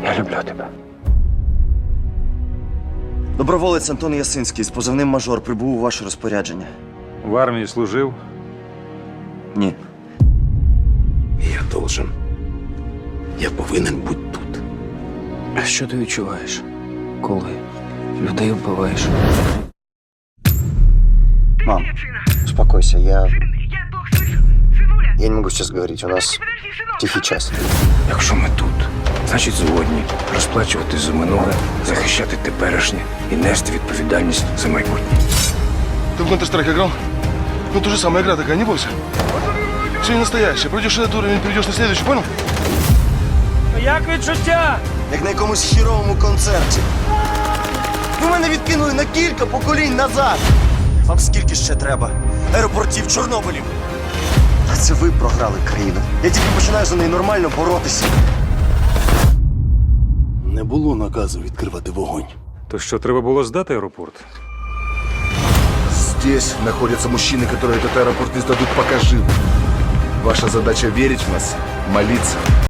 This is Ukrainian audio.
Я люблю тебе. Доброволець Антон Ясинський з позивним «Мажор» прибув у ваше розпорядження. В армії служив. Ні. Я должен. Я повинен бути тут. А що ти відчуваєш, коли людей вбиваєш? Мам, успокойся, я не могу сейчас говорить, у нас тихий час. Якщо ми тут, значить згодні розплачувати за минуле, захищати теперішнє і нести відповідальність за майбутнє. Ты в Counter-Strike играл? Ну, то же самая игра такая, не бойся. Все не настоящее. Пройдешь этот уровень, перейдешь на следующий, понял? Як відчуття? Як на якомусь хіровому концерті. Ви мене відкинули на кілька поколінь назад. Вам скільки ще треба? Аеропортів, Чорнобилів. А це ви програли країну. Я тільки починаю за неї нормально боротися. Не було наказу відкривати вогонь. То що, треба було здати аеропорт? Здесь находятся мужчины, которые этот аэропорт не сдадут пока живы. Ваша задача верить в нас, молиться